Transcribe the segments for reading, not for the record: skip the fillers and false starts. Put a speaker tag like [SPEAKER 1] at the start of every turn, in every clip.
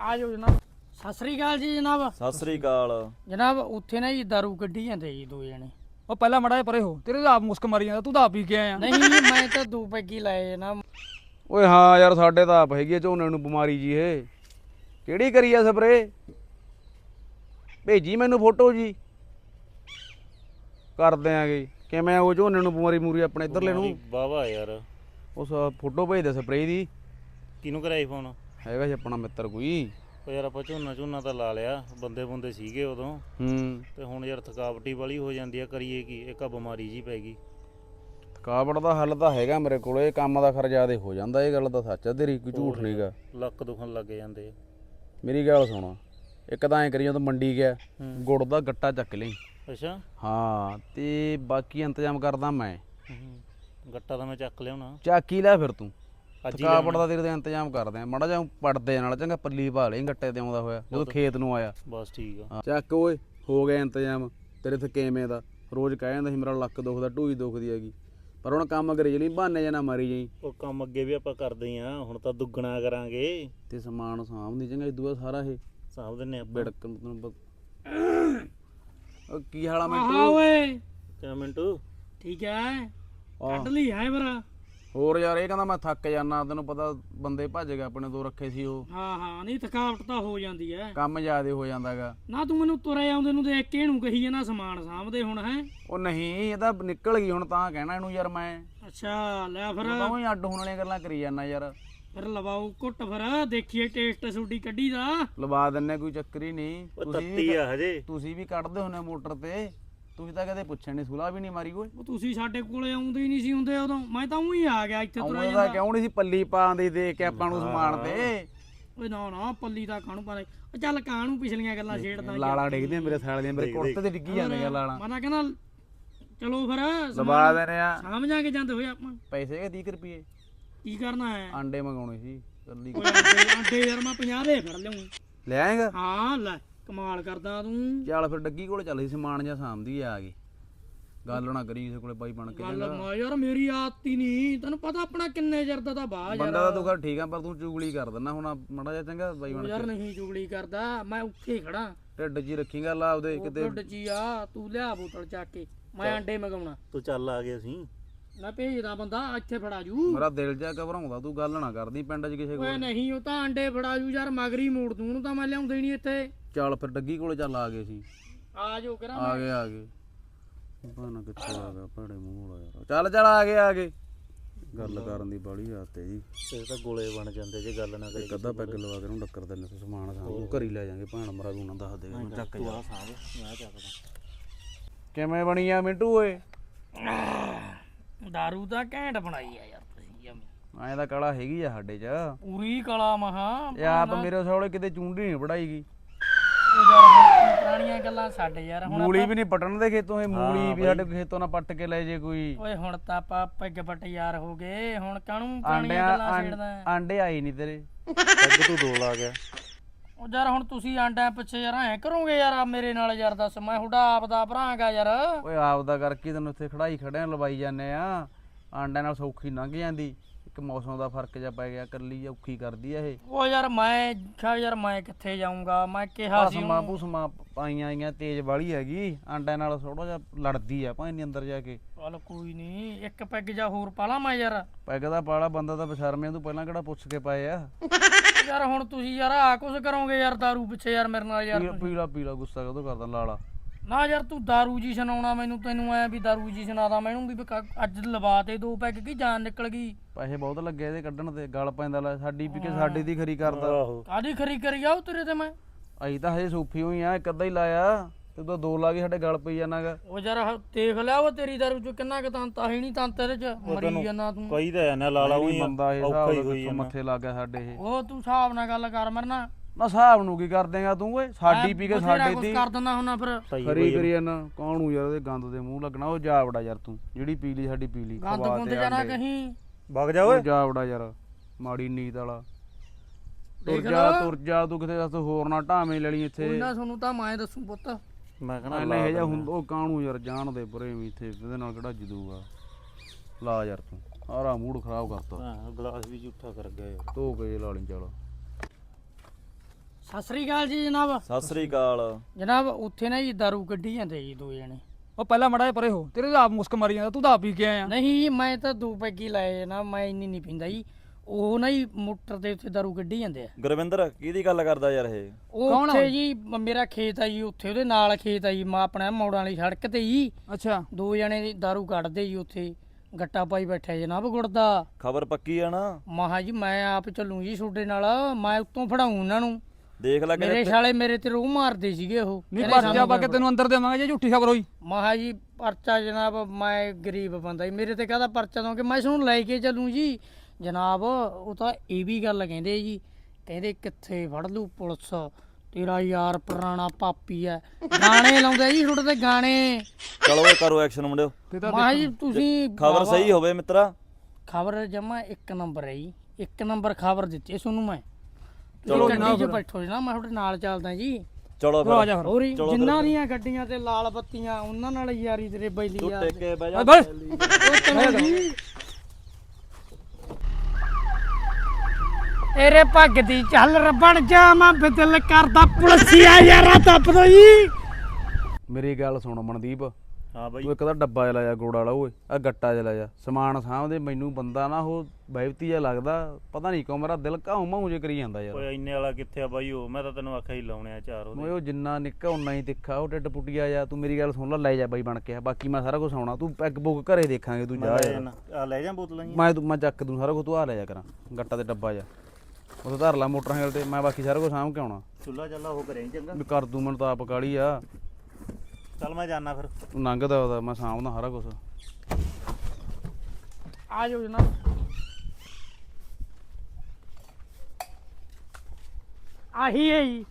[SPEAKER 1] ਆ ਜਾਓ ਜਨਾਬ। ਸਤਿ ਸ੍ਰੀ ਅਕਾਲ ਜੀ ਜਨਾਬ।
[SPEAKER 2] ਸਤਿ ਸ੍ਰੀ ਅਕਾਲ।
[SPEAKER 1] ਜਨਾਬ ਉੱਥੇ ਨਾ ਜੀ ਦਾਰੂ ਕੱਢੀ ਜਾਂਦੇ ਜੀ ਦੋ ਜਣੇ।
[SPEAKER 3] ਉਹ ਪਹਿਲਾਂ ਮੜਾ ਜਿਹਾ ਪਰੇ ਹੋ, ਤੇਰੇ ਤਾਂ ਆਪ ਮੁਸਕ ਮਾਰੀ ਜਾਂਦਾ, ਤੂੰ ਤਾਂ ਆਪ ਪੀ ਕੇ ਆਇਆ।
[SPEAKER 1] ਨਹੀਂ ਜੀ, ਮੈਂ ਤਾਂ ਦੋ ਪੈਗੀ ਲਾਏ ਜਨਾਬ।
[SPEAKER 4] ਓਏ ਹਾਂ ਯਾਰ, ਸਾਡੇ ਤਾਂ ਆਪ ਹੈਗੀ ਆ ਝੋਨੇ ਨੂੰ ਬਿਮਾਰੀ ਜੀ। ਇਹ ਕਿਹੜੀ ਕਰੀ ਆ ਸਪਰੇ? ਭੇਜੀ ਮੈਨੂੰ ਫੋਟੋ ਜੀ, ਕਰ ਦਿਆਂਗੇ। ਕਿਵੇਂ ਉਹ ਝੋਨੇ ਨੂੰ ਬਿਮਾਰੀ ਮੂਰੀ ਆਪਣੇ ਇੱਧਰਲੇ ਨੂੰ?
[SPEAKER 2] ਵਾਵਾ ਯਾਰ,
[SPEAKER 4] ਉਸ ਫੋਟੋ ਭੇਜ ਦੇ ਸਪਰੇ ਦੀ।
[SPEAKER 2] ਕਿਹਨੂੰ ਕਰਾਈ ਫੋਨ?
[SPEAKER 4] ਹੈਗਾ ਜੀ ਆਪਣਾ ਮਿੱਤਰ ਕੋਈ।
[SPEAKER 2] ਉਹ ਯਾਰ ਆਪਾਂ ਝੋਨਾ ਤਾਂ ਲਾ ਲਿਆ, ਬੰਦੇ ਸੀਗੇ ਉਦੋਂ। ਤੇ ਹੁਣ ਯਾਰ ਥਕਾਵਟੀ ਵਾਲੀ ਹੋ ਜਾਂਦੀ ਆ, ਕਰੀਏ ਕੀ? ਇੱਕ ਆ ਬਿਮਾਰੀ ਜੀ ਪੈ ਗਈ।
[SPEAKER 4] ਥਕਾਵਟ ਦਾ ਹੱਲ ਤਾਂ ਹੈਗਾ ਮੇਰੇ ਕੋਲੇ, ਕੰਮ ਦਾ ਖਰਚਾ ਜ਼ਿਆਦਾ ਹੋ ਜਾਂਦਾ। ਇਹ ਗੱਲ ਤਾਂ ਸੱਚ ਆ ਤੇਰੀ, ਕੋਈ ਝੂਠ ਨਹੀਂਗਾ।
[SPEAKER 2] ਲੱਕ ਦੁਖਣ ਲੱਗ ਜਾਂਦੇ ਆ।
[SPEAKER 4] ਮੇਰੀ ਗੱਲ ਸੁਣ, ਇੱਕ ਤਾਂ ਐਂ ਕਰੀ, ਜਦੋਂ ਮੰਡੀ ਗਿਆ ਗੁੜ ਦਾ ਗੱਟਾ ਚੱਕ ਲਈ।
[SPEAKER 2] ਅੱਛਾ
[SPEAKER 4] ਹਾਂ, ਤੇ ਬਾਕੀ ਇੰਤਜ਼ਾਮ ਕਰਦਾ ਮੈਂ।
[SPEAKER 2] ਗੱਟਾ ਤਾਂ ਮੈਂ ਚੱਕ ਲਿਆਉਣਾ।
[SPEAKER 4] ਚੱਕ ਹੀ ਲੈ ਫਿਰ ਤੂੰ।
[SPEAKER 2] ਅੱਜ ਹੀ
[SPEAKER 4] ਥਕਾਵਟ ਦਾ ਤੇਰੇ ਦਾ ਇੰਤਜ਼ਾਮ ਕਰਦੇ ਆ, ਮਾੜਾ ਜਿਹਾ ਪੜਦੇ ਨਾਲ ਚੰਗਾ। ਪੱਲੀ ਪਾ ਲਈ ਗੱਟੇ ਤੇ ਆਉਂਦਾ ਹੋਇਆ ਜਦੋਂ ਖੇਤ ਨੂੰ ਆਇਆ।
[SPEAKER 2] ਬਸ ਠੀਕ ਆ।
[SPEAKER 4] ਚੱਕ ਓਏ, ਹੋ ਗਿਆ ਇੰਤਜ਼ਾਮ ਤੇਰੇ ਥਕੇਵੇਂ ਦਾ। ਰੋਜ਼ ਕਹਿ ਜਾਂਦਾ ਸੀ ਮੇਰਾ ਲੱਕ ਦੁਖਦਾ, ਢੂਈ ਦੁਖਦੀ ਹੈਗੀ, ਪਰ ਹੁਣ ਕੰਮ ਕਰੀ ਜਲੀ, ਬਹਾਨੇ ਜਾਂ ਨਾ ਮਾਰੀ ਜਾਈ।
[SPEAKER 2] ਉਹ ਕੰਮ ਅੱਗੇ ਵੀ ਆਪਾਂ ਕਰਦੇ ਹੀ ਆ, ਹੁਣ ਤਾਂ ਦੁੱਗਣਾ ਕਰਾਂਗੇ।
[SPEAKER 4] ਤੇ ਸਮਾਨ ਸਾਂਭਦੀ ਚੰਗਾ ਇਦੂਆ ਸਾਰਾ ਇਹ
[SPEAKER 2] ਸਾਂਭ ਦਿੰਨੇ ਆਪਾਂ।
[SPEAKER 4] ਬਿੜਕ ਉਹ ਕੀ ਹਾਲਾ
[SPEAKER 1] ਆਹਾ
[SPEAKER 4] ਮਿੰਟੂ?
[SPEAKER 1] ਓਏ
[SPEAKER 2] ਕਿਆ ਮਿੰਟੂ?
[SPEAKER 1] ਠੀਕ ਹੈ, ਕੱਢ ਲਈ ਹੈ ਭਰਾ।
[SPEAKER 4] ਹੋਰ ਯਾਰ, ਇਹ ਕਹਿੰਦਾ ਮੈਂ ਥੱਕ ਜਾਣਾ, ਤੈਨੂੰ ਪਤਾ ਬੰਦੇ ਭੱਜ ਗਏ ਆਪਣੇ, ਦੋ ਰੱਖੇ ਸੀ ਉਹ।
[SPEAKER 1] ਹਾਂ ਨਹੀਂ, ਥਕਾਵਟ ਤਾਂ ਹੋ ਜਾਂਦੀ ਹੈ।
[SPEAKER 4] ਕੰਮ ਜ਼ਿਆਦੇ ਹੋ ਜਾਂਦਾਗਾ।
[SPEAKER 1] ਨਾ ਤੂੰ ਮੈਨੂੰ ਤੁਰੇ ਆਉਂਦੇ ਨੂੰ ਦੇਖ ਕੇ ਇਹਨੂੰ ਕਹੀ ਜਾਣਾ ਸਮਾਨ ਸਾਂਭਦੇ ਹੁਣ ਹੈ।
[SPEAKER 4] ਉਹ ਨਹੀਂ, ਇਹ ਤਾਂ ਨਿਕਲ ਗਈ ਹੁਣ, ਤਾਂ ਕਹਿਣਾ ਇਹਨੂੰ ਯਾਰ ਮੈਂ।
[SPEAKER 1] ਅੱਛਾ ਲੈ ਫਿਰ,
[SPEAKER 4] ਤਾਂ ਉਹੀ ਅੱਡ ਹੋਣ ਵਾਲੀਆਂ ਗੱਲਾਂ ਕਰੀ ਜਾਂਦਾ ਯਾਰ।
[SPEAKER 1] ਫਿਰ ਲਵਾਓ ਘੁੱਟ, ਫਿਰ ਦੇਖੀਏ ਟੇਸਟ ਤੁਹਾਡੀ ਕੱਢੀ ਦਾ।
[SPEAKER 4] ਲਵਾ ਦਿੰਨੇ, ਕੋਈ ਚੱਕਰ ਹੀ ਨਹੀਂ।
[SPEAKER 2] ਉਹ ਤੱਤੀ ਆ ਹਜੇ।
[SPEAKER 4] ਤੁਸੀਂ ਵੀ ਕੱਢਦੇ ਹੁੰਦੇ ਮੋਟਰ ਤੇ, ਤੁਸੀਂ ਤਾਂ ਕਦੇ ਪੁੱਛਣ ਨਹੀਂ, ਸੁਲਾ ਵੀ ਨਹੀਂ ਮਾਰੀ ਓਏ।
[SPEAKER 1] ਉਹ ਤੁਸੀਂ ਸਾਡੇ ਕੋਲੇ ਆਉਂਦੇ ਹੀ ਨਹੀਂ ਸੀ ਹੁੰਦੇ ਉਦੋਂ, ਮੈਂ ਤਾਂ ਉਹੀ ਆ ਗਿਆ ਇੱਥੇ ਤੁਰਿਆ
[SPEAKER 4] ਆਉਂਦਾ
[SPEAKER 1] ਜਾਂਦਾ।
[SPEAKER 4] ਕਿਉਂ ਨਹੀਂ ਸੀ? ਪੱਲੀ ਪਾਉਂਦੀ ਦੇਖ ਕੇ ਆਪਾਂ ਨੂੰ ਸਮਾਨ ਤੇ।
[SPEAKER 1] ਓਏ ਨਾ ਪੱਲੀ ਦਾ ਕਾਹਨੂੰ ਪਾਦੇ। ਉਹ ਚੱਲ ਕਾਹਨੂੰ ਪਿਛਲੀਆਂ ਗੱਲਾਂ ਛੇੜਦਾ।
[SPEAKER 4] ਲਾਲਾ ਡਿੱਗਦੀਆਂ ਮੇਰੇ ਸਾਲ ਦੀਆਂ, ਮੇਰੇ ਕੁੜਤੇ ਤੇ ਡਿੱਗੀ ਜਾਂਦੀਆਂ ਲਾਲਾ।
[SPEAKER 1] ਮੈਂ ਤਾਂ ਕਹਿੰਦਾ ਚਲੋ ਫਿਰ
[SPEAKER 4] ਲਵਾ ਦਿੰਨੇ ਆ।
[SPEAKER 1] ਸਮਝਾਂ ਕੇ ਜਾਂਦੇ ਹੋਏ ਆਪਾਂ।
[SPEAKER 4] ਪੈਸੇ ਕਿ 30 ਰੁਪਏ
[SPEAKER 1] ਕੀ ਕਰਨਾ ਹੈ?
[SPEAKER 4] ਆਂਡੇ ਮੰਗਾਉਣੇ ਸੀ ਕੱਲੀ।
[SPEAKER 1] ਓਏ ਆਂਡੇ ਯਾਰ ਮੈਂ 50 ਦੇ ਫੜ ਲਿਆਉਂ।
[SPEAKER 4] ਲੈ ਆਏਗਾ?
[SPEAKER 1] ਹਾਂ ਲੈ, ਕਮਾਲ ਕਰਦਾ ਤੂੰ।
[SPEAKER 4] ਚੱਲ ਫਿਰ ਡੱਗੀ ਕੋਲ ਚੱਲ ਸੀ, ਸਮਾਨ ਜਾਂ ਸਾਂਭਦੀ ਆ ਗਈ। ਗੱਲ ਨਾ ਕਰੀ ਕਿਸੇ ਕੋਲੇ ਬਾਈ ਬਣ ਕੇ।
[SPEAKER 1] ਗੱਲ ਮਾ ਯਾਰ ਮੇਰੀ ਆਦਤ ਹੀ ਨਹੀਂ, ਤੈਨੂੰ ਪਤਾ ਆਪਣਾ ਕਿੰਨੇ ਚਿਰ ਦਾ ਤਾਂ ਬਾਹ ਯਾਰ।
[SPEAKER 4] ਬੰਦਾ ਤਾਂ ਤੂੰ ਕਰ ਠੀਕ ਆ, ਪਰ ਤੂੰ ਚੁਗਲੀ ਕਰ ਦਿੰਦਾ ਹੁਣ ਮਾੜਾ ਜਿਹਾ, ਚੰਗਾ ਬਾਈ ਬਣ
[SPEAKER 1] ਯਾਰ
[SPEAKER 4] ਕੇ।
[SPEAKER 1] ਨਹੀਂ ਚੁਗਲੀ ਕਰਦਾ, ਮੈਂ ਉੱਥੇ ਖੜਾ।
[SPEAKER 4] ਢਿੱਡ 'ਚ ਹੀ ਰੱਖੀ ਗੱਲ ਆਪਦੇ ਕਿਤੇ।
[SPEAKER 1] ਢਿੱਡ 'ਚ ਆ, ਤੂੰ ਲਿਆ ਬੋਤਲ ਚੱਕ ਕੇ, ਮੈਂ ਆਂਡੇ ਮੰਗਾਉਣਾ।
[SPEAKER 2] ਤੂੰ ਚੱਲ ਆ ਗਏ ਅਸੀਂ।
[SPEAKER 1] ਮੈਂ ਭੇਜਦਾ ਬੰਦਾ, ਇੱਥੇ ਫੜਾ ਜੂ।
[SPEAKER 4] ਮੇਰਾ ਦਿਲ ਜਾ ਘਬਰਾਉਂਦਾ, ਤੂੰ ਗੱਲ ਨਾ ਕਰਦੀ ਪਿੰਡ 'ਚ ਕਿਸੇ
[SPEAKER 1] ਓਏ
[SPEAKER 4] ਕੋਲ।
[SPEAKER 1] ਨਹੀਂ, ਉਹ ਤਾਂ ਆਂਡੇ ਫੜਾ ਜੂ ਯਾਰ, ਮਗਰੀ ਮੋੜ ਦੂੰ, ਉਹਨੂੰ ਤਾਂ ਮੈਂ ਲਿਆਉਂਦਾ ਹੀ ਨਹੀਂ ਇੱਥੇ।
[SPEAKER 4] ਚੱਲ ਫਿਰ ਡੱਗੀ ਕੋਲੇ ਚੱਲ, ਆ ਗਏ ਸੀ।
[SPEAKER 1] ਆ ਜਾਓ ਕਰਾਂ।
[SPEAKER 4] ਆ ਗਏ ਬਾਨਾ ਕਿੱਥੇ ਆ ਗਿਆ ਭੜੇ ਮੂੰਹ ਵਾਲਾ ਯਾਰ। ਚੱਲ ਆ ਗਏ। ਗੱਲ ਕਰਨ ਦੀ ਬਾੜੀ ਆਦਤ ਹੈ ਜੀ।
[SPEAKER 2] ਇਹ ਤਾਂ ਗੋਲੇ ਬਣ ਜਾਂਦੇ ਜੇ ਗੱਲ ਨਾ ਕਰੀ।
[SPEAKER 4] ਇੱਕ ਅੱਧਾ ਪੈਗ ਲਵਾ ਕੇ ਉਹਨੂੰ ਡੱਕਰ ਦਿੰਦੇ, ਸਮਾਨ ਸਾਂਭ ਘਰੀ ਲੈ ਜਾਾਂਗੇ। ਭੈਣ ਮਰਾ ਵੀ ਉਹਨਾਂ ਦੱਸ ਦੇਗਾ, ਚੱਕ ਜਾ।
[SPEAKER 2] ਮੈਂ ਚੱਕਦਾ।
[SPEAKER 4] ਕਿਵੇਂ ਬਣੀ ਆ ਮਿੰਟੂ ਓਏ?
[SPEAKER 1] ਦਾਰੂ ਤਾਂ ਘੈਂਟ ਬਣਾਈ ਆ ਯਾਰ ਤੁਸੀਂ ਜਮੀ।
[SPEAKER 4] ਐਂ ਤਾਂ ਕਲਾ ਹੈਗੀ ਆ ਸਾਡੇ 'ਚ।
[SPEAKER 1] ਪੂਰੀ ਕਲਾ ਮਹਾ।
[SPEAKER 4] ਇਹ ਆਪ ਮੇਰੇ ਸੋਲੇ ਕਿਤੇ ਚੁੰਡੀ ਨਹੀਂ ਵੜਾਈ ਗਈ।
[SPEAKER 1] ਯਾਰ ਹੁਣ ਪੁਰਾਣੀਆਂ ਗੱਲਾਂ ਛੱਡ ਯਾਰ। ਹੁਣ
[SPEAKER 4] ਮੂਲੀ ਵੀ ਨਹੀਂ ਪਟਣ ਦੇ ਖੇਤੋਂ, ਇਹ ਮੂਲੀ ਵੀ ਸਾਡੇ ਖੇਤੋਂ ਨਾ ਪੱਟ ਕੇ ਲੈ ਜੇ ਕੋਈ।
[SPEAKER 1] ਓਏ ਹੁਣ ਤਾਂ ਆਪਾਂ ਪੈਗ ਪੱਟ ਯਾਰ ਹੋ ਗਏ, ਹੁਣ ਕਾਹਨੂੰ ਪੁਰਾਣੀਆਂ ਗੱਲਾਂ ਛੇੜਦਾ?
[SPEAKER 4] ਆਂਡੇ ਆਏ ਨਹੀਂ ਤੇਰੇ।
[SPEAKER 2] ਅੱਗ ਤੂੰ ਦੋ ਲਾ ਗਿਆ।
[SPEAKER 1] ਉਹ ਯਾਰ ਹੁਣ ਤੁਸੀਂ ਆਂਡਿਆਂ ਪਿੱਛੇ ਯਾਰ ਐ ਕਰੋਗੇ ਯਾਰ ਮੇਰੇ ਨਾਲ? ਯਾਰ ਦੱਸ, ਮੈਂ ਤੁਹਾਡਾ ਆਪ ਦਾ ਭਰਾਂਗਾ ਯਾਰ।
[SPEAKER 4] ਓਏ ਆਪਦਾ ਕਰਕੇ ਤੈਨੂੰ ਇੱਥੇ ਖੜਾਈ ਖੜਿਆ ਲਵਾਈ ਜਾਂਦੇ ਆ। ਆਂਡਿਆਂ ਨਾਲ ਸੌਖੀ ਲੰਘ ਜਾਂਦੀ, ਇੱਕ ਮੌਸਮ ਦਾ ਫਰਕ ਜਿਹਾ ਪੈ ਗਿਆ, ਕੱਲੀ ਔਖੀ ਕਰਦੀ ਆ ਇਹ।
[SPEAKER 1] ਉਹ ਯਾਰ ਮੈਂ ਕਿਹਾ ਯਾਰ ਮੈਂ ਕਿੱਥੇ ਜਾਊਂਗਾ, ਮੈਂ ਕਿਹਾ ਸੀ
[SPEAKER 4] ਸਮਾਂ ਭੂਸਮਾਂ ਪਾਈਆਂ ਆਈਆਂ, ਤੇਜ਼ ਵਾਲੀ ਹੈਗੀ। ਆਂਡਿਆਂ ਨਾਲ ਥੋੜਾ ਜਿਹਾ ਲੜਦੀ ਆ ਭਾਵੇਂ ਅੰਦਰ ਜਾ ਕੇ।
[SPEAKER 1] ਚੱਲ ਕੋਈ ਨਹੀਂ, ਇੱਕ ਪੈਗ ਜਾ ਹੋਰ ਪਾ ਲਾ ਮੈਂ ਯਾਰ।
[SPEAKER 4] ਪੈਗ ਦਾ ਪਾਲਾ, ਬੰਦਾ ਤਾਂ ਬਸ਼ਰਮਿਆਂ ਤੂੰ ਪਹਿਲਾਂ ਕਿਹੜਾ ਪੁੱਛ ਕੇ ਪਾਏ ਆ।
[SPEAKER 1] ਯਾਰ ਹੁਣ ਤੁਸੀਂ ਯਾਰ ਆ ਕੁਛ ਕਰੋਗੇ ਯਾਰ ਦਾਰੂ ਪਿੱਛੇ ਯਾਰ ਮੇਰੇ ਨਾਲ ਯਾਰ?
[SPEAKER 4] ਪੀਲਾ ਗੁੱਸਾ ਕਦੋਂ ਕਰਦਾ ਲਾਲਾ?
[SPEAKER 1] ਨਾ ਯਾਰ ਤੂੰ ਦਾਰੂ ਜੀ ਸੁਣਾਉਣਾ ਮੈਨੂੰ, ਤੈਨੂੰ ਐ ਵੀ ਦਾਰੂ ਜੀ ਸੁਣਾਦਾ ਮੈਨੂੰ ਵੀ ਅੱਜ ਲਵਾ ਤੇ ਦੋ ਪੈਗ ਕੀ ਜਾਨ ਨਿਕਲ ਗਈ।
[SPEAKER 4] ਪੈਸੇ ਬਹੁਤ ਲੱਗੇ ਇਹਦੇ ਕੱਢਣ ਤੇ, ਗਲ ਪੈਂਦਾ ਲੈ ਸਾਡੀ ਪੀ ਕੇ ਸਾਡੀ ਦੀ ਖਰੀ ਕਰਦਾ।
[SPEAKER 1] ਕਾਹਦੀ ਖਰੀ ਕਰੀ ਆਉ ਤੇਰੇ ਤੇ ਮੈਂ?
[SPEAKER 4] ਅਸੀਂ ਤਾਂ ਹਜੇ ਸੂਫੀ ਹੋਈ ਆ, ਇੱਕ ਅੱਧਾ ਹੀ ਲਾਇਆ ਤੇ ਤੂੰ ਦੋ ਲਾ ਕੇ ਸਾਡੇ ਗਲ ਪਈ ਜਾਣਾਗਾ।
[SPEAKER 1] ਉਹ ਯਾਰ ਦੇਖ ਲਿਆ ਉਹ ਤੇਰੀ ਦਾਰੂ ਚ ਕਿੰਨਾ ਕੁ ਤਾਂ ਹੀ ਨਹੀਂ ਤੰਤ ਇਹਦੇ ਚ ਮਰੀ ਜਾਣਾ ਤੂੰ।
[SPEAKER 2] ਕਈ ਤਾਂ ਐ ਨਾ ਲਾਲਾ ਉਹੀ
[SPEAKER 4] ਬੰਦਾ ਇਹ
[SPEAKER 2] ਔਖਾ ਹੀ
[SPEAKER 4] ਹਿਸਾਬ
[SPEAKER 2] ਹੋਈ
[SPEAKER 4] ਨਾਲ ਮੱਥੇ ਲੱਗ ਗਿਆ ਸਾਡੇ ਇਹ।
[SPEAKER 1] ਉਹ ਤੂੰ ਹਿਸਾਬ ਨਾਲ ਗੱਲ ਕਰ ਮਰਨਾ
[SPEAKER 4] ਨਾ। ਹਿਸਾਬ ਨੂੰ ਕੀ ਕਰ ਦੇਗਾ ਤੂੰ ਓਏ? ਸਾਡੀ ਪੀ ਕੇ ਸਾਡੇ ਦੀ
[SPEAKER 1] ਕਰ ਦਿੰਦਾ ਹੁਣਾ ਫਿਰ।
[SPEAKER 4] ਖਰੀ ਕਰੀ ਜਾਣਾ। ਕੌਣ ਨੂੰ ਯਾਰ ਉਹਦੇ ਗੰਦ ਦੇ ਮੂੰਹ ਲੱਗਣਾ? ਉਹ ਜਾ ਵੜਾ ਯਾਰ, ਤੂੰ ਜਿਹੜੀ ਪੀ ਲਈ ਸਾਡੀ ਪੀ ਲਈ।
[SPEAKER 1] ਗੰਦ ਗੁੰਦ ਜਾਣਾ ਕਹੀਂ
[SPEAKER 2] ਵਗ ਜਾ ਓਏ।
[SPEAKER 4] ਜਾ ਵੜਾ ਯਾਰ, ਮਾੜੀ ਨੀਤ ਵਾਲਾ। ਤੁਰ ਜਾ ਤੂੰ ਕਿਤੇ ਦੱਸ, ਹੋਰ ਨਾ ਢਾਵੇਂ ਲੈ ਲਈ ਇੱਥੇ।
[SPEAKER 1] ਉਹਨਾਂ ਤੁਹਾਨੂੰ ਤਾਂ ਮੈਂ ਦੱਸੂ ਪੁੱਤ।
[SPEAKER 2] ਮੈਂ ਕਹਣਾ
[SPEAKER 4] ਇਹਨੇ ਇਹ ਜਾ ਹੁੰਦਾ ਉਹ ਕਾਣੂ ਯਾਰ, ਜਾਣ ਦੇ ਪਰੇ ਵੀ ਇੱਥੇ ਇਹਦੇ ਨਾਲ ਕਿਹੜਾ ਜਦੂਗਾ। ਲਾ ਯਾਰ ਤੂੰ, ਸਾਰਾ ਮੂਡ ਖਰਾਬ ਕਰਤਾ।
[SPEAKER 2] ਗਲਾਸ ਵੀ ਝੂਠਾ ਕਰ ਗਿਆ ਯਾਰ।
[SPEAKER 4] ਧੋ ਕੇ ਲਾ ਲਈ ਚੱਲ।
[SPEAKER 1] ਸਤਿ ਸ੍ਰੀ ਅਕਾਲ ਜੀ ਜਨਾਬ।
[SPEAKER 5] ਸਤਿ ਸ੍ਰੀ ਅਕਾਲ।
[SPEAKER 1] ਜਨਾਬ ਉੱਥੇ ਨਾ ਜੀ ਦਾਰੂ ਕੱਢੀ ਜਾਂਦੇ ਜੀ ਦੋ ਜਣੇ।
[SPEAKER 3] ਉਹ ਪਹਿਲਾਂ ਮੜਾ ਪਰੇ ਹੋ, ਤੇਰੇ ਤਾਂ ਆਪ ਮੁਸਕ ਮਾਰੀ ਜਾਂਦਾ, ਤੂੰ ਤਾਂ ਆਪ ਪੀ ਕੇ ਆਇਆ।
[SPEAKER 1] ਨਹੀਂ ਜੀ, ਮੈਂ ਤਾਂ ਦੋ ਪੈਗੀ ਲਾਏ ਜਨਾਬ, ਮੈਂ ਇੰਨੀ ਨਹੀਂ ਪੀਂਦਾ ਜੀ। ਉਹ ਨਾ ਜੀ ਮੋਟਰ ਦੇ ਉੱਤੇ ਦਾਰੂ ਕੱਢੀ ਜਾਂਦੇ ਆ।
[SPEAKER 5] ਗੁਰਵਿੰਦਰ ਕਿਹਦੀ ਗੱਲ ਕਰਦਾ ਯਾਰ ਇਹ?
[SPEAKER 1] ਉਹ
[SPEAKER 3] ਕੌਣ ਆ
[SPEAKER 1] ਉੱਥੇ
[SPEAKER 3] ਉਹ?
[SPEAKER 1] ਜੀ ਮੇਰਾ ਖੇਤ ਆ ਜੀ, ਉੱਥੇ ਉਹਦੇ ਨਾਲ ਖੇਤ ਆ ਜੀ, ਮੈਂ ਆਪਣਾ ਮੋੜਾਂ ਵਾਲੀ ਸੜਕ ਤੇ ਜੀ।
[SPEAKER 3] ਅੱਛਾ,
[SPEAKER 1] ਦੋ ਜਣੇ ਦੀ ਦਾਰੂ ਕੱਢਦੇ ਜੀ ਉੱਥੇ, ਗੱਟਾ ਪਾਈ ਬੈਠਾ ਜਨਾਬ ਗੁੜ ਦਾ।
[SPEAKER 5] ਖਬਰ ਪੱਕੀ ਆ ਨਾ?
[SPEAKER 1] ਮਹਾ ਜੀ ਮੈਂ ਆਪ ਚੱਲੂ ਜੀ ਤੁਹਾਡੇ ਨਾਲ, ਮੈਂ ਉੱਤੋਂ ਫੜਾਉਂ ਉਹਨਾਂ ਨੂੰ।
[SPEAKER 5] ਦੇਖ ਲੈ
[SPEAKER 1] ਮੇਰੇ ਸਾਲੇ ਮੇਰੇ ਤੇ ਰੋਹ ਮਾਰਦੇ ਸੀਗੇ ਉਹ।
[SPEAKER 3] ਨਹੀਂ
[SPEAKER 1] ਕਹਿੰਦੇ
[SPEAKER 3] ਪਰਚਾ
[SPEAKER 1] ਸਾਨੂੰ
[SPEAKER 3] ਪਾ ਕੇ ਤੈਨੂੰ ਅੰਦਰ ਦੇਵਾਂਗੇ ਜੇ ਝੂਠੀ ਖਬਰ ਹੋਈ।
[SPEAKER 1] ਮਹਾ ਜੀ ਪਰਚਾ ਜਨਾਬ, ਮੈਂ ਗਰੀਬ ਬੰਦਾ ਜੀ, ਮੇਰੇ ਤੇ ਕਾਹਦਾ ਪਰਚਾ ਦੋਗੇ, ਮੈਂ ਤੁਹਾਨੂੰ ਲੈ ਕੇ ਚੱਲੂ ਜੀ ਜਨਾਬ। ਉਹ ਤਾਂ ਇਹ ਵੀ ਗੱਲ ਕਹਿੰਦੇ ਜੀ, ਕਹਿੰਦੇ ਕਿੱਥੇ ਫੜ ਲੂ ਪੁਲਿਸ, ਤੇਰਾ ਯਾਰ ਪੁਰਾਣਾ ਪਾਪੀ ਐ। ਗਾਣੇ ਲਾਉਂਦੇ ਜੀ ਤੁਹਾਡੇ ਤੇ ਗਾਣੇ।
[SPEAKER 5] ਚਲੋ ਇਹ ਕਰੋ ਐਕਸ਼ਨ ਮੁੰਡਿਓ।
[SPEAKER 1] ਮਹਾ ਜੀ ਤੁਸੀਂ
[SPEAKER 5] ਖਬਰ ਸਹੀ ਹੋਵੇ ਮਿੱਤਰਾ।
[SPEAKER 1] ਖਬਰ ਜਮਾ 1 ਨੰਬਰ ਹੈ ਜੀ, 1 ਨੰਬਰ ਖਬਰ ਦਿੱਤੀ ਤੁਹਾਨੂੰ ਮੈਂ।
[SPEAKER 3] ਚਲੋ
[SPEAKER 1] ਗੱਡੀ
[SPEAKER 3] ਜਨਾਬ
[SPEAKER 1] 'ਚ ਬੈਠੋ ਜਨਾਬ, ਮੈਂ ਤੁਹਾਡੇ ਨਾਲ ਚੱਲਦਾ ਜੀ।
[SPEAKER 5] ਚਲੋ
[SPEAKER 3] ਆ
[SPEAKER 5] ਫਿਰ
[SPEAKER 3] ਜਾ ਫਿਰ।
[SPEAKER 1] ਹੋਰ ਜੀ, ਜਿਨ੍ਹਾਂ ਦੀਆਂ ਗੱਡੀਆਂ ਤੇ ਲਾਲ ਬੱਤੀਆਂ ਉਹਨਾਂ ਨਾਲ ਯਾਰੀ ਤੇਰੇ ਬੈਲੀ
[SPEAKER 5] ਤੂੰ
[SPEAKER 1] ਯਾਰ
[SPEAKER 5] ਟਿਕ ਕੇ ਬਹਿ
[SPEAKER 3] ਆ
[SPEAKER 5] ਜਾ।
[SPEAKER 3] ਬਸ
[SPEAKER 1] ਉਹ ਚਲੋ ਜੀ। ਤੇਰੇ ਭੱਗ ਦੀ ਚੱਲ ਰੱਬਣ ਜਾ, ਮੈਂ ਬਦਲ ਕਰਦਾ ਪੁਲਸੀਆ ਯਾਰਾ ਦੱਬ ਦੋ ਜੀ।
[SPEAKER 4] ਮੇਰੀ ਗੱਲ ਸੁਣ ਮਨਦੀਪ,
[SPEAKER 2] ਹਾਂ ਬਾਈ।
[SPEAKER 4] ਤੂੰ ਇੱਕ ਤਾਂ ਡੱਬਾ ਜਿਹਾ ਲਾਇਆ ਗੋੜ ਵਾਲਾ, ਓਏ ਆ ਗੱਟਾ ਜਿਹਾ ਲਾਇਆ, ਸਮਾਨ ਸਾਂਭਦੇ। ਮੈਨੂੰ ਬੰਦਾ ਨਾ ਉਹ ਬੈਵਤੀ ਜਿਹਾ ਲੱਗਦਾ, ਪਤਾ ਨਹੀਂ ਕਿਉਂ ਮੇਰਾ ਦਿਲ ਘਾਉ ਮਾਉ ਜੇ ਕਰੀ ਜਾਂਦਾ ਯਾਰ।
[SPEAKER 2] ਓਏ ਇੰਨੇ ਵਾਲਾ ਕਿੱਥੇ ਆ ਬਾਈ? ਉਹ ਮੈਂ ਤਾਂ ਤੈਨੂੰ ਆਖਿਆ ਹੀ ਲਾਉਣੇ ਆ ਚਾਰ
[SPEAKER 4] ਓਏ
[SPEAKER 2] ਉਹਦੇ।
[SPEAKER 4] ਉਹ ਜਿੰਨਾ ਨਿੱਕਾ ਉਨਾ ਹੀ ਤਿੱਖਾ, ਉਹ ਢਿੱਡ ਪੁੱਟਿਆ ਜਾ। ਤੂੰ ਮੇਰੀ ਗੱਲ ਸੁਣ ਲੈ ਜਾ ਬਾਈ ਬਣ ਕੇ, ਬਾਕੀ ਮੈਂ ਸਾਰਾ ਕੁਝ ਆਉਣਾ। ਤੂੰ ਪੈਗ ਬੁੱਕ ਘਰੇ ਦੇਖਾਂਗੇ, ਤੂੰ ਜਾ ਯਾਰ।
[SPEAKER 2] ਆ ਲੈ ਜਾ ਬੋਤਲਾਂ ਜੀ।
[SPEAKER 4] ਮੈਂ ਚੱਕ ਦੂੰ ਸਾਰਾ ਕੁਝ, ਤੂੰ ਆ ਲੈ ਜਾ ਕਰਾਂ ਗੱਟਾ ਤੇ ਡੱਬਾ ਜਾ, ਉਹ ਧਰ ਲਾ ਮੋਟਰਸਾਈਕਲ ਤੇ, ਮੈਂ ਬਾਕੀ ਸਾਰਾ ਕੁਝ ਸਾਂਭ ਕੇ ਆਉਣਾ।
[SPEAKER 2] ਚੁੱਲਾ ਚੱਲਾ ਉਹ ਕਰੇ ਚੰਗਾ।
[SPEAKER 4] ਵੀ ਕਰ ਦੂੰ, ਮੈਨੂੰ ਤਾਂ ਆਪ ਕਾਹਲੀ ਆ।
[SPEAKER 2] ਚੱਲ ਮੈਂ ਜਾਣਾ ਫਿਰ।
[SPEAKER 4] ਤੂੰ ਲੰਘਦਾ ਉਹਦਾ, ਮੈਂ ਸਾਂਭਦਾ ਸਾਰਾ ਕੁਝ।
[SPEAKER 1] ਆ ਜਾਓ ਜਨਾਬ। ਆਹੀ ਹੈ ਜੀ।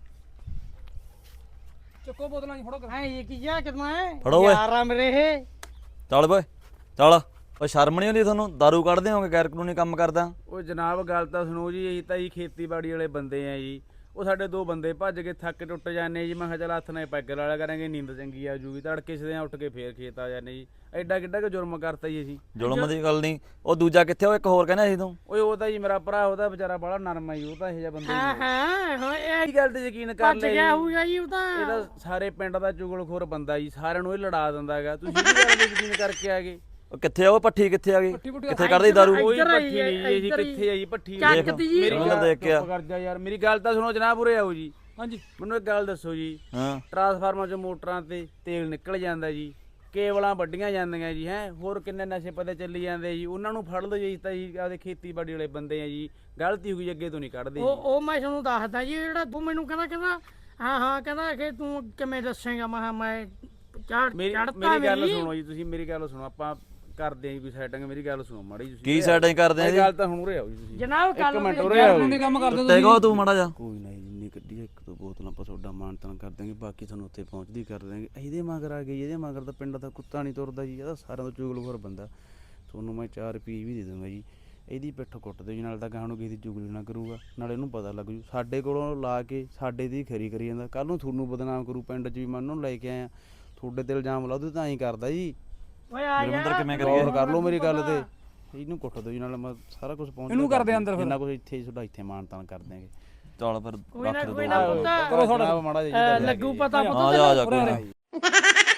[SPEAKER 3] ਚੱਕੋ ਬੋਤਲਾਂ ਨਹੀਂ ਫੜੋ।
[SPEAKER 1] ਹੈ ਇਹ ਕੀ ਜਾ ਕਿਤਨਾ ਹੈ
[SPEAKER 5] ਫੜੋ ਓਏ।
[SPEAKER 1] ਯਾਰਾ ਮੇਰੇ ਇਹ।
[SPEAKER 5] ਚੱਲ ਓਏ ਚੱਲ। ਓ ਸ਼ਰਮ ਨਹੀਂ ਆਉਂਦੀ ਤੁਹਾਨੂੰ? ਦਾਰੂ ਕੱਢਦੇ ਹੋਗੇ, ਗੈਰ ਕਾਨੂੰਨੀ ਕੰਮ ਕਰਦਾ।
[SPEAKER 4] ਓਏ ਜਨਾਬ ਗੱਲ ਤਾਂ ਸੁਣੋ ਜੀ, ਅਸੀਂ ਤਾਂ ਜੀ ਖੇਤੀਬਾੜੀ ਵਾਲੇ ਬੰਦੇ ਆ ਜੀ। ਉਹ ਸਾਡੇ ਦੋ ਬੰਦੇ ਭੱਜ ਕੇ ਥੱਕ ਟੁੱਟ ਜਾਂਦੇ ਜੀ। ਮੈਂ ਕਿਹਾ ਚੱਲ ਹੱਥ ਨਾਲ ਪੈਗ ਲਾ ਲਿਆ ਕਰਾਂਗੇ, ਨੀਂਦ ਚੰਗੀ ਆ ਜੂਗੀ। ਤੜਕੇ ਸਦੇ ਉੱਠ ਕੇ ਫੇਰ ਖੇਤ ਆ ਜਾਂਦੇ ਜੀ। ਐਡਾ ਕਿੱਡਾ ਕਿ ਜੁਰਮ ਕਰਤਾ ਜੀ ਅਸੀਂ।
[SPEAKER 5] ਜ਼ੁਲਮ ਦੀ ਗੱਲ ਨਹੀਂ। ਉਹ ਦੂਜਾ ਕਿੱਥੇ? ਉਹ ਇੱਕ ਹੋਰ ਕਹਿੰਦਾ ਸੀ ਤੂੰ।
[SPEAKER 4] ਓਏ ਉਹ ਤਾਂ ਜੀ ਮੇਰਾ ਭਰਾ, ਉਹਦਾ ਵਿਚਾਰਾ ਬੜਾ ਨਰਮ ਆ ਜੀ। ਉਹ ਤਾਂ ਇਹੋ ਜਿਹਾ ਬੰਦਾ
[SPEAKER 1] ਹਾਂ
[SPEAKER 4] ਹੀ
[SPEAKER 1] ਹਾਂ ਹਾਂ, ਇਹ
[SPEAKER 4] ਇਹ ਗੱਲ ਤੇ ਯਕੀਨ ਕਰ
[SPEAKER 1] ਭੱਜ
[SPEAKER 4] ਲੈ
[SPEAKER 1] ਗਿਆ
[SPEAKER 4] ਜੀ।
[SPEAKER 1] ਹੋਊਗਾ ਜੀ ਉਹ ਤਾਂ।
[SPEAKER 4] ਇਹਦਾ ਸਾਰੇ ਪਿੰਡ ਦਾ ਚੁਗਲਖੋਰ ਬੰਦਾ ਜੀ, ਸਾਰਿਆਂ ਨੂੰ ਇਹ ਲੜਾ ਦਿੰਦਾ ਹੈਗਾ। ਤੁਸੀਂ ਵੀ ਗੱਲ ਤੇ ਯਕੀਨ ਕਰਕੇ ਆ ਗਏ।
[SPEAKER 5] ਉਹ ਕਿੱਥੇ ਆ? ਉਹ ਪੱਠੀ ਕਿੱਥੇ ਆ ਗਈ?
[SPEAKER 3] ਪੁੱਠੀ
[SPEAKER 5] ਕਿੱਥੇ ਕੱਢਦੀ ਦਾਰੂ?
[SPEAKER 4] ਕੋਈ
[SPEAKER 1] ਇੱਧਰ ਆਈ
[SPEAKER 4] ਪੱਠੀ ਨਹੀਂ ਜੀ,
[SPEAKER 1] ਇੱਧਰ ਹੀ।
[SPEAKER 4] ਕਿੱਥੇ ਆ ਜੀ ਪੱਠੀ?
[SPEAKER 1] ਚੱਕਦੀ ਜੀ।
[SPEAKER 4] ਮੇਰੀ
[SPEAKER 5] ਉਹਨਾਂ
[SPEAKER 4] ਗੱਲ
[SPEAKER 5] ਦੇਖ ਕੇ ਆ।
[SPEAKER 4] ਚੁੱਪ ਕਰ ਜਾ ਯਾਰ, ਮੇਰੀ ਗੱਲ ਤਾਂ ਸੁਣੋ ਜਨਾਬ, ਉਰੇ ਆਓ ਜੀ।
[SPEAKER 3] ਹਾਂਜੀ,
[SPEAKER 4] ਮੈਨੂੰ ਇੱਕ ਗੱਲ ਦੱਸੋ ਜੀ,
[SPEAKER 5] ਹਾਂ
[SPEAKER 4] ਟਰਾਂਸਫਾਰਮਰ ਚੋਂ ਮੋਟਰਾਂ ਤੇ ਤੇਲ ਨਿਕਲ ਜਾਂਦਾ ਜੀ, ਕੇਬਲਾਂ ਵੱਡੀਆਂ ਜਾਂਦੀਆਂ ਜੀ, ਹੈ ਹੋਰ ਕਿੰਨੇ ਨਸ਼ੇ ਪਤੇ ਚੱਲੀ ਜਾਂਦੇ ਜੀ। ਉਹਨਾਂ ਨੂੰ ਫੜ ਲਓ ਜੀ। ਤਾਂ ਜੀ ਆਪਦੇ ਖੇਤੀਬਾੜੀ ਵਾਲੇ ਬੰਦੇ ਆ ਜੀ, ਗਲਤੀ ਹੋ ਗਈ ਅੱਗੇ ਤੋਂ ਨਹੀਂ ਕੱਢਦੇ ਜੀ।
[SPEAKER 1] ਉਹ ਮੈਂ ਤੁਹਾਨੂੰ ਦੱਸਦਾ ਜੀ, ਜਿਹੜਾ ਤੂੰ ਮੈਨੂੰ ਕਹਿੰਦਾ ਹਾਂ ਕਹਿੰਦਾ ਕਿ ਤੂੰ ਕਿਵੇਂ ਦੱਸੇਗਾ। ਮੈਂ ਕਿਹਾ ਮੈਂ
[SPEAKER 4] ਮੇਰੀ
[SPEAKER 1] ਚੜਤਾ
[SPEAKER 4] ਗੱਲ
[SPEAKER 1] ਮੇਰੀ।
[SPEAKER 4] ਸੁਣੋ ਜੀ, ਤੁਸੀਂ ਮੇਰੀ ਗੱਲ ਸੁਣੋ, ਆਪਾਂ ਕਰਦੇ ਆਂ ਜੀ ਕੋਈ ਸੈਟਿੰਗ। ਮੇਰੀ ਗੱਲ ਸੁਣੋ ਮਾੜੀ ਜੀ।
[SPEAKER 5] ਕੀ ਸੈਟਿੰਗ ਕਰਦੇ ਆ
[SPEAKER 4] ਇਹ
[SPEAKER 5] ਜੀ?
[SPEAKER 4] ਗੱਲ ਤਾਂ ਹੁਣ ਉਰੇ ਆਓ ਜੀ ਤੁਸੀਂ।
[SPEAKER 1] ਜਨਾਬ
[SPEAKER 4] ਇੱਕ ਮਿੰਟ ਉਰੇ
[SPEAKER 3] ਗੈਰ
[SPEAKER 4] ਆਓ
[SPEAKER 3] ਕਾਨੂੰਨੀ
[SPEAKER 4] ਜੀ।
[SPEAKER 3] ਕੰਮ ਕਰਦੇ
[SPEAKER 5] ਟੁੱਟੇ ਕੋ ਤੂੰ ਮਾੜਾ ਜਾ।
[SPEAKER 4] ਕੋਈ ਨਹੀਂ ਜਿੰਨੀ ਕੱਢੀ ਆ, ਇੱਕ ਦੋ ਬੋਤਲਾਂ ਆਪਾਂ ਤੁਹਾਡਾ ਮਾਨ ਤਾਨ ਕਰ ਦਾਂਗੇ, ਬਾਕੀ ਤੁਹਾਨੂੰ ਉੱਥੇ ਪਹੁੰਚਦੀ ਕਰ ਦਾਂਗੇ। ਇਹਦੇ ਮਗਰ ਆ ਗਈ, ਇਹਦੇ ਮਗਰ ਤਾਂ ਪਿੰਡ ਦਾ ਕੁੱਤਾ ਨਹੀਂ ਤੁਰਦਾ ਜੀ। ਇਹਦਾ ਸਾਰਿਆਂ ਤੋਂ ਚੁਗਲਖੋਰ ਬੰਦਾ। ਤੁਹਾਨੂੰ ਮੈਂ 4 ਰੁਪਏ ਵੀ ਦੇ ਦੂੰਗਾ ਜੀ। ਇਹਦੀ ਪਿੱਠ ਕੁੱਟ ਦਿਓ ਜੀ, ਨਾਲ ਤਾਂ ਗਾਹ ਨੂੰ ਕਿਸੇ ਦੀ ਚੁਗਲੀ ਨਾ ਕਰੂਗਾ, ਨਾਲੇ ਇਹਨੂੰ ਪਤਾ ਲੱਗ ਜੂ। ਸਾਡੇ ਕੋਲੋਂ ਲਾ ਕੇ ਸਾਡੇ ਦੀ ਖਰੀ ਕਰੀ ਜਾਂਦਾ, ਕੱਲ ਨੂੰ ਤੁਹਾਨੂੰ ਬਦਨਾਮ ਕਰੂ ਪਿੰਡ 'ਚ ਵੀ। ਮੈਂ ਉਹਨੂੰ ਲੈ ਕੇ ਆਇਆ, ਤੁਹਾਡੇ ਤੇ ਇਲਜ਼ਾਮ ਲਾ ਦੂ ਤਾਂ ਹੀ ਕਰਦਾ ਜੀ।
[SPEAKER 1] ਓਏ ਆ
[SPEAKER 5] ਗੁਰਵਿੰਦਰ ਕਿਵੇਂ
[SPEAKER 4] ਗੌਰ ਕਰ ਲਓ ਮੇਰੀ ਗੱਲ ਤੇ। ਇਹਨੂੰ ਕੁੱਟ ਦਿਓ ਜੀ, ਨਾਲ ਮੈਂ ਸਾਰਾ ਕੁਝ ਪਹੁੰਚ
[SPEAKER 3] ਇਹਨੂੰ ਕਰਦੇ ਅੰਦਰ ਫਿਰ।
[SPEAKER 4] ਜਿੰਨਾ ਕੁਝ ਇੱਥੇ ਹੀ ਤੁਹਾਡਾ ਇੱਥੇ ਮਾਨ ਤਾਨ ਕਰ ਦਿਆਂਗੇ।
[SPEAKER 5] ਚੱਲ ਫਿਰ
[SPEAKER 1] ਕੋਈ ਨਾ
[SPEAKER 5] ਰੱਖ ਦੇ
[SPEAKER 1] ਕੋਈ
[SPEAKER 5] ਦੋ।
[SPEAKER 1] ਨਾ ਪੁੱਤ
[SPEAKER 4] ਕਰੋ ਤੁਹਾਡਾ ਮਾੜਾ ਜਿਹਾ
[SPEAKER 1] ਲੱਗੂ ਪਤਾ
[SPEAKER 5] ਆ ਜਾ ਆ ਜਾ ਕੋਈ ਨਾ।
[SPEAKER 1] ਪੁੱਤ